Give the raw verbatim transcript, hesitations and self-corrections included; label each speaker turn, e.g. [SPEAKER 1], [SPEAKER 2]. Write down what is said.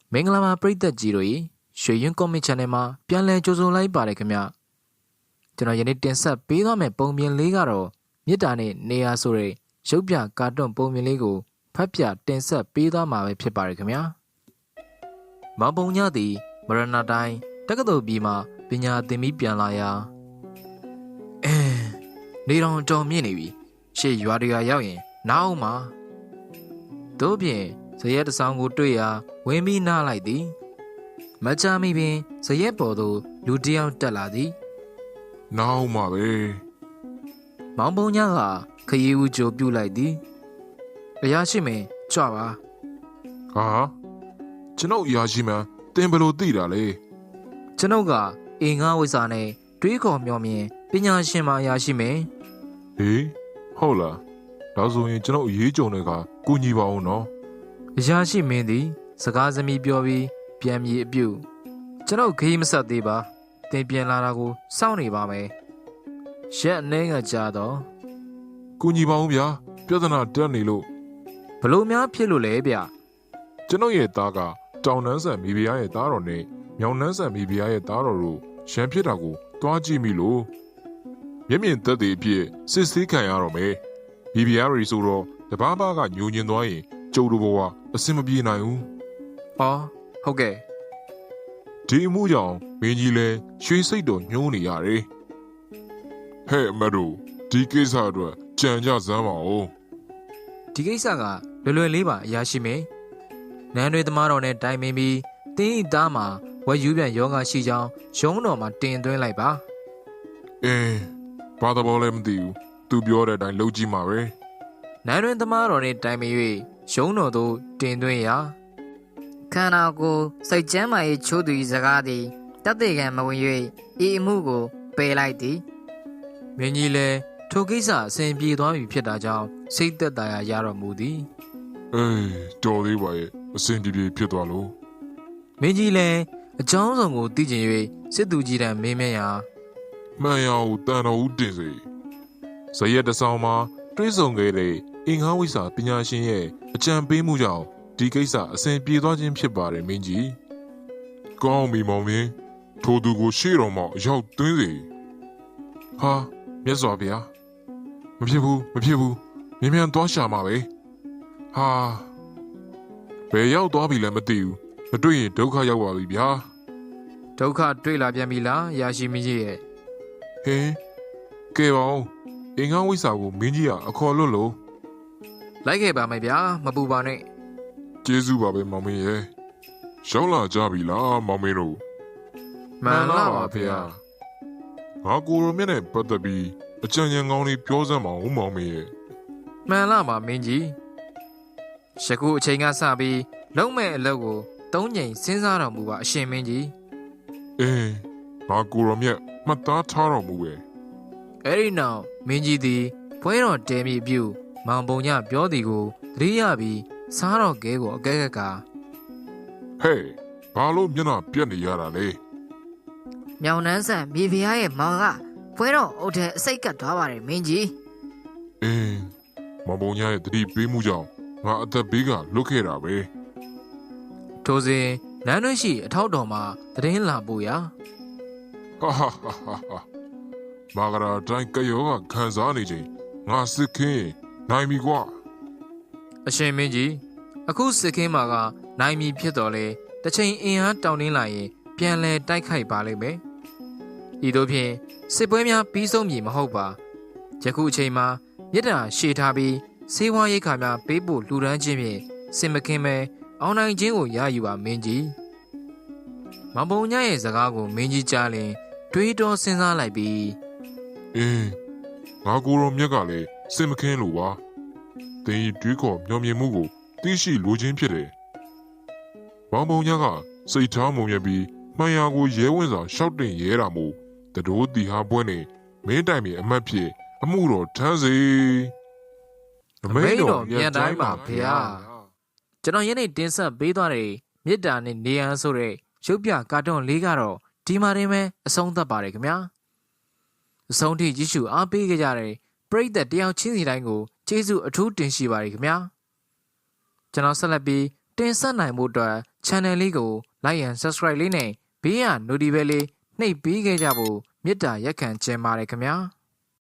[SPEAKER 1] မင်္ဂလာပါပရိသတ်ကြီးတို့ရေရွှေရင်ကောမစ် channel မှာပြန်လည်ကြိုဆိုလိုက်ပါတယ်ခင်ဗျကျွန်တော်ယနေ့တင်ဆက်ပေးသွားမယ့်ပုံပြင်လေးကတော့မြစ်တာနဲ့နေရာဆိုတဲ့ရုပ်ပြကာတွန်းပုံပြင်လေးကိုဖတ်ပြတင်ဆက်ပေးသွားမှာပဲဖြစ်ပါတယ်ခင်ဗျာမောင်ပုံညသည်မရဏတိုင်းတက္ကသိုလ်ပြည်မှာပညာသင်ပြီးပြန်လာရာအဲနေတော်တော်မြင့်နေပြီရှေ့ရွာတွေကရောက်ရင်နားအောင်မှာတို့ပြင်ဇရက်တဆောင်ကိုတွေ့ရာဝင်းပြီးနားလိုက်သည်မကြမီပင်ဇရက်ပေါ်သို့လူတစ်ယောက်တက်လာသည်
[SPEAKER 2] နောက်မှပဲ
[SPEAKER 1] မောင်ပုံညကခရီးဦးကြိုပြုတ်လိုက်သည်အရာရှိမင်းကြွပါ
[SPEAKER 2] ဟာကျွန်ုပ်အရာရှိမှန်တင်ဘလို့သိတာလေ
[SPEAKER 1] ကျွန်ုပ်ကအင်္ဂါဝိဇ္ဇာနဲ့တွေးခေါ်မျှော်မြင်ပညာရှင်မအရာရှိမင်း
[SPEAKER 2] ဟေးဟုတ်လားဒါဆိုရင်ကျွန်ုပ်အရေးကြုံတွေကကူညီပါအောင်နော်
[SPEAKER 1] အရာရှိမင်းသည်စကားသမီးပြောပြီးပြန်မြေအပြုတ်ကျွန်ုပ်ခရီးမဆက်သေးပါတင်ပြန်လာတာကိုစောင့်နေပါမယ်ရက်အနေငါကြာတော့
[SPEAKER 2] ကူညီပါအောင်ဗျာပြဿနာတက်နေလို့
[SPEAKER 1] ဘလို့များဖြစ်လို့လဲဗျ
[SPEAKER 2] ကျွန်ုပ်ရဲ့သားကတောင်နန်းဆန်မိဖုရားရဲ့သားတော်နဲ့မြောင်နန်းဆန်မိဖုရားရဲ့သားတော်တို့ရန်ဖြစ်တာကိုတွားကြည့်မိလို့မျက်မြင်သက်သေအဖြစ်စစ်ဆေးခံရတော့မယ်မိဖုရားတွေဆိုတော့တပားပါကညှိုညင်သွားရင်ကျုပ်တို့ဘဝအဆင်မပြေနိုင်ဘူး
[SPEAKER 1] ဟောဟုတ်ကဲ့
[SPEAKER 2] ဒီအမှုကြောင့်မင်းကြီးလဲရွှေစိတ်တော်ညှိုးနေရတယ်ဟဲ့အမတို့ဒီကိစ္စအတွက်ကြံကြစမ်းပါဦး
[SPEAKER 1] ဒီကိစ္စကလွယ်လွယ်လေးပါအရာရှိမင်းနန်းတွေသမားတော်နဲ့တိုင်ပင်ပြီးတင်းဤသားမှာဝက်ယူပြန်ယောဂရှိကြောင်းရုံးတော်မှာတင်သွင်းလိုက်ပါ
[SPEAKER 2] အင်းဘာသာပေါ်လည်းမသိဘူးသူပြောတဲ့အတိုင်းလုပ်ကြည့်မှာပဲ
[SPEAKER 1] နန်းတွင်သမားတော်နှင့်တိုင်ပင်၍ရုံးတော်သို့တင်သွင်းရာ
[SPEAKER 3] ခန္ဓာကိုယ်စိတ်ကျမ်းမာရေးချိုးသူ၏စကားသည်တသက်ကံမဝင်၍ဤအမှုကိုပယ်လိုက်သည်
[SPEAKER 1] မင်းကြီးလည်းထိုကိစ္စအစဉ်ပြေသွားပြီဖြစ်တာကြောင့်စိတ်သက်သာရာရတော်မူသည်
[SPEAKER 2] အေးတော်သေးပါရဲ့အဆင်ပြေပြေဖြစ်သွားလို့
[SPEAKER 1] မင်းကြီးလည်းအကြောင်းစုံကိုသိကျင်၍စစ်သူကြီးတန်းမေးမြန်းရာ
[SPEAKER 2] မှန်ရအောင်တန်တော်ဦးတင်စေဇရက်တဆောင်မှာတွေးဆုံခဲ့တဲ့အင်္ဂါဝိစာပညာရှင်ရဲ့အကြံပေးမှုကြောင့်ဒီကိစ္စအဆင်ပြေသွားခြင်းဖြစ်ပါတယ်မင်းကြီးကောင်းပြီမောင်မင်းထိုသူကိုရှေ့တော်မှာအရောက်သွင်းစေဟာမြတ်စွာဘုရားမဖြစ်ဘူးမဖြစ်ဘူးမြင်မြန်သွားရှာမှာပဲဟာဘယ်ရောက်သွားပြီလဲမသိဘူးမတွေ့ရင်ဒုက္ခရောက်ပါပြီဗျာ
[SPEAKER 1] ဒုက္ခတွေ့လာပြန်ပြီလားအရာရှိမင်းကြီးရဲ့
[SPEAKER 2] ဟင်းကဲပါဦးအင်္ဂါဝိစာကိုမင်းကြီးကအခေါ်လွတ်လို့
[SPEAKER 1] လိုက်ခဲ့ပါမယ်ဗျာမပူပါနဲ့
[SPEAKER 2] ကျေးဇူးပါပဲမောင်မင်းရဲ့ရောက်လာကြပြီလားမောင်မင်းတို့
[SPEAKER 1] မှန်လားပါဗျာ
[SPEAKER 2] ငါကိုရိုမြတ်နဲ့ပတ်သက်ပြီးအကြံဉာဏ်ကောင်းလေးပြောစမ်းပါဦးမောင်မင်းရဲ့
[SPEAKER 1] မှန်လားပါမင်းကြီးယခုအချိန်ကစပြီးလုံးမဲ့အလုပ်ကိုသုံးချိန်စဉ်းစားတော်မူပါအရှင်မင်းကြီး
[SPEAKER 2] အင်းငါကိုရိုမြတ်မှတ်သားထားတော်မူပဲ
[SPEAKER 1] အဲ့ဒီနောက်မင်းကြီးသည်ဖွဲတော်တဲမိပြုမောင်ပုံညပြောသည်ကိုသတိရပြီးစားတော်ကဲကိုအကဲကက
[SPEAKER 2] ဟဲ့ဘာလို့မျက်နှာပြက်နေရတာလဲ
[SPEAKER 3] မြောင်နှန်းဆန်မိဖုရားရဲ့မောင်ကဖွဲတော်အုပ်ထဲအစိတ်ကပ်သွားပါတယ်မင်းကြီး
[SPEAKER 2] အင်းမောင်ပုံညာရဲ့တတိပေးမှုကြောင့်ငါအသက်ဘေးကလွတ်ခဲ့တာပဲ
[SPEAKER 1] ထိုစဉ်နန်းတွင်းရှိအထောက်တော်မှာတည်င်းလာပို့ရာ
[SPEAKER 2] ဟာဟာဟာဟာမာဂရာတိုင်းကယောကခံစားနေချိန်ငါစစ်ခင်းနိုင်ပြီကွာ
[SPEAKER 1] အရှင်မင်းကြီးအခုစစ်ခင်းမှာကနိုင်မီဖြစ်တော်လေတစ်ချိန်အင်အားတောင်းတင်းလာရင်ပြန်လဲတိုက်ခိုက်ပါလိမ့်မယ်ဤသို့ဖြင့်စစ်ပွဲများပြီးဆုံးမည်မဟုတ်ပါယခုအချိန်မှာမြစ်တာရှေ့ထားပြီးစေဝါရိတ်ခါများပေးဖို့လှူဒန်းခြင်းဖြင့်စင်မခင်းပဲအောင်နိုင်ခြင်းကိုရယူပါမင်းကြီးမောင်ပုံညရဲ့စကားကိုမင်းကြီးကြားလင်တွေးတောစဉ်းစားလိုက်ပြီး
[SPEAKER 2] အင်းငါကိုရောမြက်ကလည်းစင်မခင်းလို့ပါတင်းဤတွေးခေါ်မျောမြင်မှုကိုသိရှိလိုခြင်းဖြစ်တယ်ဘောင်ပုံညာကစိတ်ထားမုံမြပြီးမှန်ရာကိုရဲဝင်စွာရှောက်တင်ရဲတာမို့တတိုးတီဟာပွဲနဲ့မင်းတိုင်မြေအမတ်ဖြစ်အမှုတော်ထမ်းစေအမိန်တော်ပြန်တိုင်းပါဗျာ
[SPEAKER 1] ကျွန်တော်ယနေ့တင်ဆက်ပေးသွားတဲ့မြစ်တာနဲ့နေရန်ဆိုတဲ့ရုပ်ပြကာတွန်းလေးကတော့ဒီမှာတင်ပဲအဆုံးသတ်ပါတယ်ခင်ဗျာအဆုံးထိကြည့်ရှုအားပေးကြတဲ့ပရိသတ်တယောက်ချင်းစီတိုင်းကိုကျေးဇူးအထူးတင်ရှိပါတယ်ခင်ဗျာကျွန်တော်ဆက်လက်ပြီးတင်ဆက်နိုင်မှုအတွက် channel လေးကို like and subscribe လေးနဲ့ဘေးက notification လေးနှိပ်ပေးခဲ့ကြဖို့မေတ္တာရက်ခံချင်ပါတယ်ခင်ဗျာ